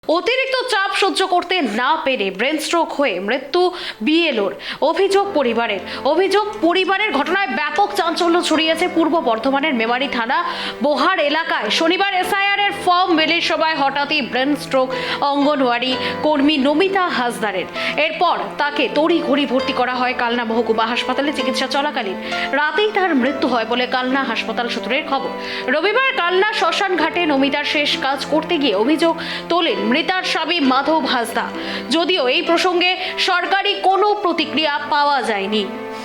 অতিরিক্ত চাপ সহ্য করতে না পেরে ব্রেন স্ট্রোক হয়ে মৃত্যু বিএলওর। অভিযোগ পরিবারের ঘটনায় ব্যাপক চাঞ্চল্য ছড়িয়েছে পূর্ব বর্ধমানের মেমারি থানা বোহার এলাকায়। শনিবার এসআইআর এর ফর্ম বিলির সময় হঠাৎই ব্রেন স্ট্রোক অঙ্গনওয়াড়ি কর্মী নমিতা হাসদারের। এরপর তাকে তড়িঘড়ি ভর্তি করা হয় কালনা মহকুমা হাসপাতালে চিকিৎসা চলাকালীন। রাতেই তার মৃত্যু হয় বলে কালনা হাসপাতাল সূত্রের খবর। রবিবার কালনা শ্মশান ঘাটে নমিতার শেষ কাজ করতে গিয়ে অভিযোগ তোলেন মৃতার স্বামী মাধব হাসদা। যদিও এই প্রসঙ্গে সরকারি কোনো প্রতিক্রিয়া পাওয়া যায়নি।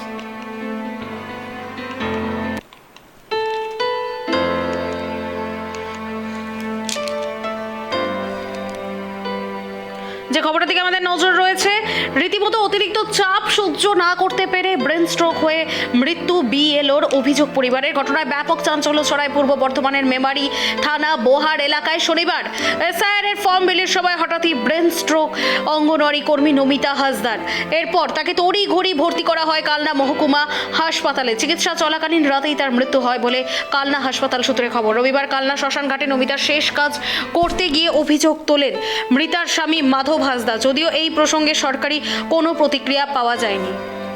যে খবরের দিকে আমাদের নজর রয়েছে, রীতিমতো অতিরিক্ত চাপ সহ্য না করতে পেরে ব্রেন স্ট্রোক হয়ে মৃত্যু বিএলওর। অভিযোগ পরিবারের ঘটনায় ব্যাপক চাঞ্চল্য ছড়ায় পূর্ব বর্ধমানের মেমারি থানা বোহার এলাকায়। শনিবার এসআইআর এর ফর্ম বিলির সময় হঠাৎই ব্রেন স্ট্রোক অঙ্গনওয়াড়ি কর্মী নমিতা হাসদার। এরপর তাকে তড়িঘড়ি ভর্তি করা হয় কালনা মহকুমা হাসপাতালে চিকিৎসা চলাকালীন। রাতেই তার মৃত্যু হয় বলে কালনা হাসপাতাল সূত্রে খবর। রবিবার কালনা শ্মশান ঘাটে নমিতার শেষ কাজ করতে গিয়ে অভিযোগ তোলেন মৃতার স্বামী মাধব হাসদা। যদিও এই প্রসঙ্গে সরকারি কোনো প্রতিক্রিয়া পাওয়া যায়নি।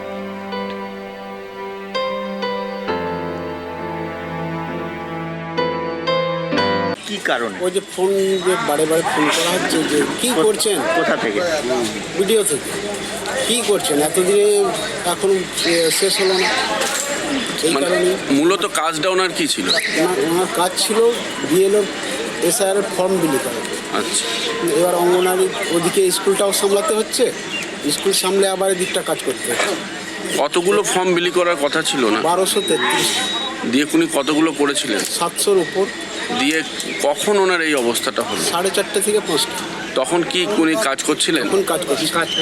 কি কারণে? ওই যে ফোন যে বারে বারে ফোন করা হচ্ছে যে কি করছেন, কোথা থেকে? ভিডিও থেকে কি করছেন, এতদিনে এখন শেষ হলো না, এই মানে কারণে মূলত কাজটা ওনার কি ছিল? ওনার কাজ ছিল বিএলওর এসআইআর এর ফর্ম বিলি করা। আচ্ছা, এবার অঙ্গনারী ওদিকে স্কুলটাও সামলাতে হচ্ছে, স্কুল সামলে আবার এদিকটা কাজ করতে হচ্ছে। কতগুলো ফর্ম বিলি করার কথা ছিল না? 1233, দিয়ে উনি কতগুলো করেছিলেন? 700-র উপর। দিয়ে কখন ওনার এই অবস্থাটা হলো? 4:30 থেকে 5টা তখন কি উনি কাজ করছিলেন? এখন কাজ করছে।